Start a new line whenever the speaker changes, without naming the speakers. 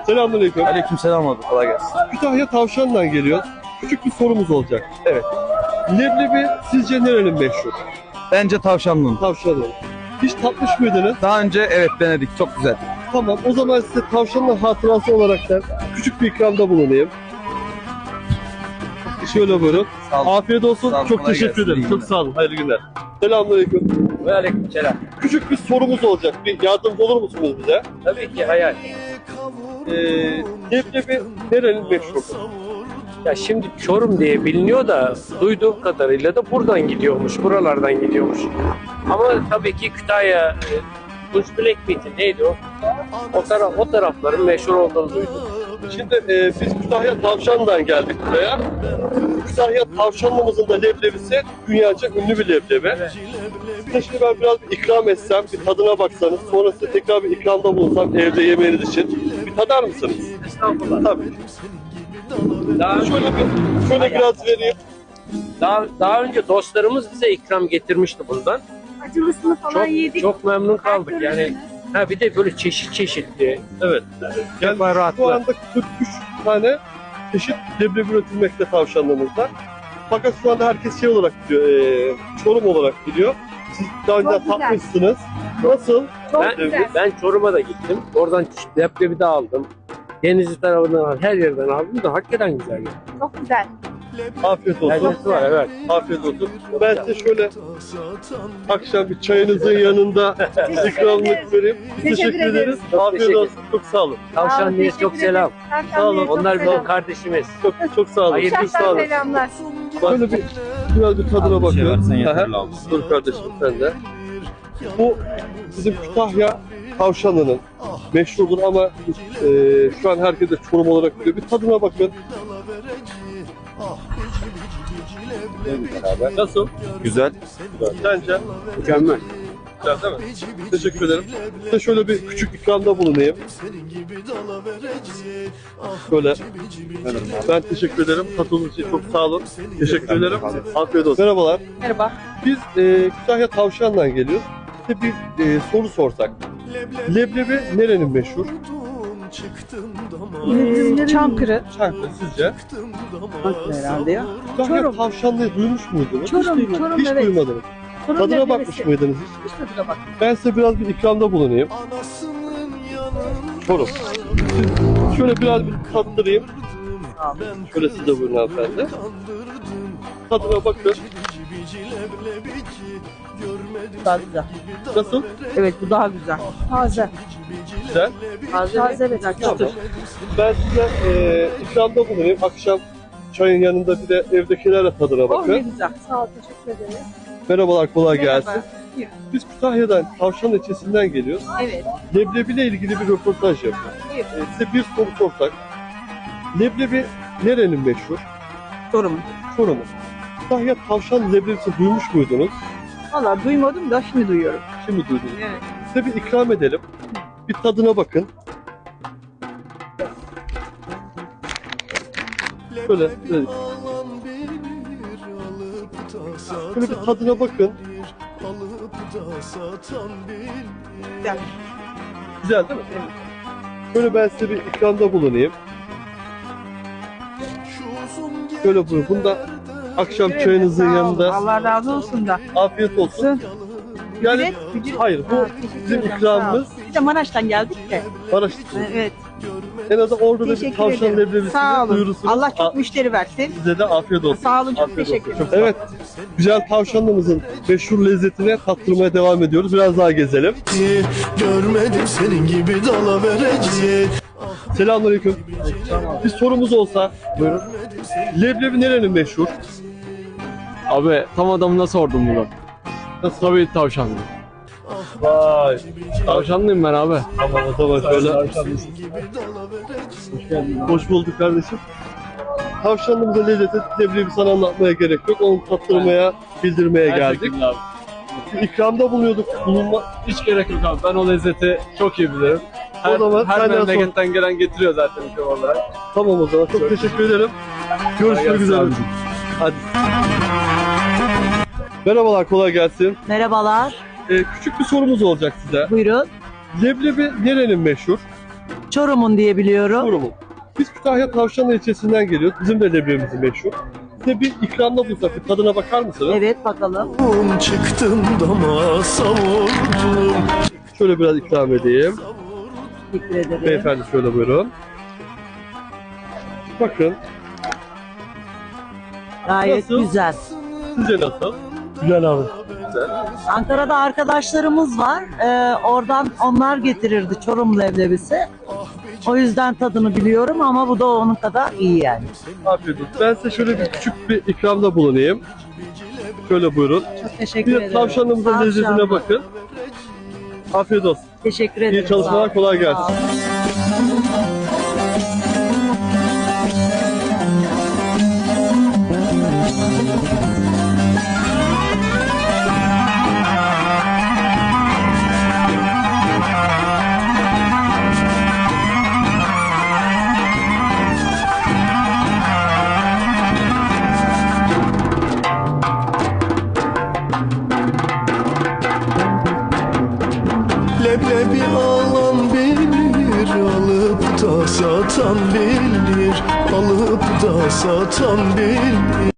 Selamünaleyküm.
Aleykümselam abi, kolay gelsin.
Kütahya Tavşan'dan geliyor. Küçük bir sorumuz olacak.
Evet.
Leblebi sizce nerenin meşhur?
Bence tavşanlının.
Tavşan'ın. Hiç tatmış mıydınız?
Daha önce evet denedik, çok güzel.
Tamam, o zaman size tavşanın hatırası olarak da küçük bir ikramda bulunayım. Şöyle buyurun.
Sağ olun.
Afiyet olsun.
Sağ olun,
Çok
kolay
teşekkür
gelsin.
ederim.
İyi
Çok
günler.
sağ olun. Hayırlı günler. Selamünaleyküm.
Ve aleykümselam.
Küçük bir sorumuz olacak. Bir yardımcı olur musunuz bize?
Tabii ki hayal.
Leblebi nerenin meşhur?
Ya şimdi Çorum diye biliniyor da duyduğum kadarıyla da buradan gidiyormuş, buralardan gidiyormuş. Ama tabii ki Kütahya, Black Meat'i neydi o? O tarafların meşhur olduğunu duydum.
Şimdi biz Kütahya Tavşan'dan geldik buraya. Kütahya Tavşanlımızın da leblebisi dünyaca ünlü bir leblebi. Size şimdi ben biraz bir ikram etsem, bir tadına baksanız, sonra size tekrar bir ikramda bulunsam evde yemeğiniz için. Bir tadar mısınız?
Estağfurullah.
Tabii.
Daha,
Şöyle biraz vereyim.
daha önce dostlarımız bize ikram getirmişti bundan.
Acılısını falan
Çok
yedik.
çok memnun kaldık. Yani bir de böyle çeşitli.
Evet. Yani şu
baharatlı.
anda 43 tane çeşit leblebi üretilmekte tavşanlığımızda. Fakat şu anda herkes şey olarak biliyor, Çorum olarak biliyor. Siz daha önce
Çok güzel.
tatmışsınız. Nasıl?
Çok
Ben,
güzel.
ben Çorum'a da gittim. Oradan leblebi de aldım. Denizli tarafından her yerden aldım da hakikaten güzel. Yani.
Çok güzel.
Afiyet olsun.
Lezzeti var, evet.
Afiyet olsun. Ben size şöyle akşam bir çayınızın yanında ikramlık vereyim. Teşekkür ederiz. Afiyet
teşekkür
olsun. Çok sağ olun.
Tavşanlı'ya çok selam.
Sağ olun.
Onlar bizim kardeşimiz.
Çok sağ olun.
Hayırlı
Çok sağ olun.
Selamlar.
Böyle biraz bir tadına bakıyorum.
versen yeterli
Aha.
abi.
Dur kardeşim sen de. Bu bizim Kütahya Tavşanlı'nın meşhurdur ama şu an herkes de Çorum olarak biliyor. Bir tadına bakın. Nasıl?
Güzel.
Sence?
Mükemmel.
Güzel değil mi? Teşekkür ederim. Size şöyle bir küçük ikramda bulunayım. Şöyle. Ben teşekkür ederim. Katıldığınız için çok sağ olun. Teşekkür ederim. Afiyet olsun. Merhabalar.
Merhaba.
Biz Kütahya Tavşan'dan geliyoruz. Size bir soru sorsak. Leblebi nerenin meşhur?
Çankırı.
Çankırı sizce?
Herhalde ya.
Kütahya
Çorum.
Tavşanlı'yı duymuş muydunuz?
Çorum,
Hiç
evet.
duymadınız.
Çorum
Tadına
leblebisi.
bakmış mıydınız hiç?
Hiç tadına bak.
Ben size biraz bir ikramda bulunayım. Çorum. Şöyle biraz bir tattırayım. Şöyle siz de buyurun hanımefendi. Tadına bakın.
Daha güzel.
Nasıl?
Evet, bu daha güzel.
Taze.
Güzel.
Taze ve
Tamam.
çıtır.
Ben size ikramda bulunayım. Akşam çayın yanında bir de evdekilerle tadına
Oh ne
bakın.
güzel.
Sağ ol. Teşekkür ederiz.
Merhabalar, kolay
Merhaba.
gelsin. Biz Kütahya'dan, Tavşan ilçesinden geliyoruz.
Evet.
Leblebi ile ilgili bir röportaj yapıyoruz.
Buyur.
Size bir soru sorsak. Leblebi nerenin meşhur?
Çorum.
Çorum'un. Kütahya Tavşan leblebisi duymuş muydunuz?
Valla duymadım da şimdi duyuyorum.
Şimdi duydunuz.
Evet.
Size bir ikram edelim. Bir tadına bakın. Şöyle bir tadına bakın.
Güzel.
Güzel değil mi? Şöyle ben size bir ikramda bulunayım. Şöyle buyurun. Bunu da akşam çayınızın
Sağ ol.
yanında
Allah razı olsun da.
afiyet olsun. Yani hayır, bu bizim ikramımız.
Bir de Maraş'tan geldik de.
Maraş.
Evet.
En azından orada da bir
Teşekkür
tavşan
ederim.
leblebisi
Sağ olun.
duyurusunuz.
Allah çok müşteri versin.
Size de afiyet olsun.
Sağ olun, çok
Afiyet
teşekkür
olsun.
ederim.
Evet, güzel tavşanlığımızın meşhur lezzetine tattırmaya devam ediyoruz. Biraz daha gezelim.
Görmedim senin gibi dalavereci.
Selamünaleyküm. Bir sorumuz olsa. Buyurun. Leblebi nerenin meşhur?
Abi tam adamına sordum bunu.
Nasıl?
Tabii tavşanlı.
Vay.
Tavşanlıyım ben abi.
Tamam, o zaman şöyle. Hoş bulduk kardeşim. Tavşanlığımızın lezzeti leblebi sana anlatmaya gerek yok. Onu tattırmaya, bildirmeye geldik.
Gerçekten abi.
Bir ikramda bulunma.
Hiç gerek yok abi. Ben o lezzeti çok iyi bilirim.
O zaman
Her
senden
memleketten gelen getiriyor zaten ülke olarak.
Tamam o zaman. Çok teşekkür ederim. Görüşmek
gelsin
üzere.
abicim.
Hadi. Merhabalar, kolay gelsin.
Merhabalar.
Küçük bir sorumuz olacak size.
Buyurun.
Leblebi nerenin meşhur?
Çorum'un diye biliyorum.
Çorum'un. Biz Kütahya Tavşanlı ilçesinden geliyoruz. Bizim de leblebimiz meşhur. Size bir ikramda bulsak bir tadına bakar mısınız?
Evet bakalım.
Çıktım dama savurdum.
Şöyle biraz ikram edeyim.
Teşekkür ederim.
Beyefendi şöyle buyurun. Bakın.
Gayet
Nasıl?
güzel.
Sizce nasıl?
Güzel abi.
Ankara'da arkadaşlarımız var. Oradan onlar getirirdi Çorum leblebisi. O yüzden tadını biliyorum ama bu da onun kadar iyi yani.
Afiyet olsun. Ben size şöyle bir küçük bir ikramda bulunayım. Şöyle buyurun.
Çok teşekkür
Bir
ederim.
tavşanımızın
Tavşan.
lezzetine bakın. Afiyet olsun.
Teşekkür ederim.
İyi çalışmalar,
Sağ ol.
kolay
Sağ
gelsin.
ol.
Leblebi alan bilir, alıp da satan bilir, alıp da satan bilir.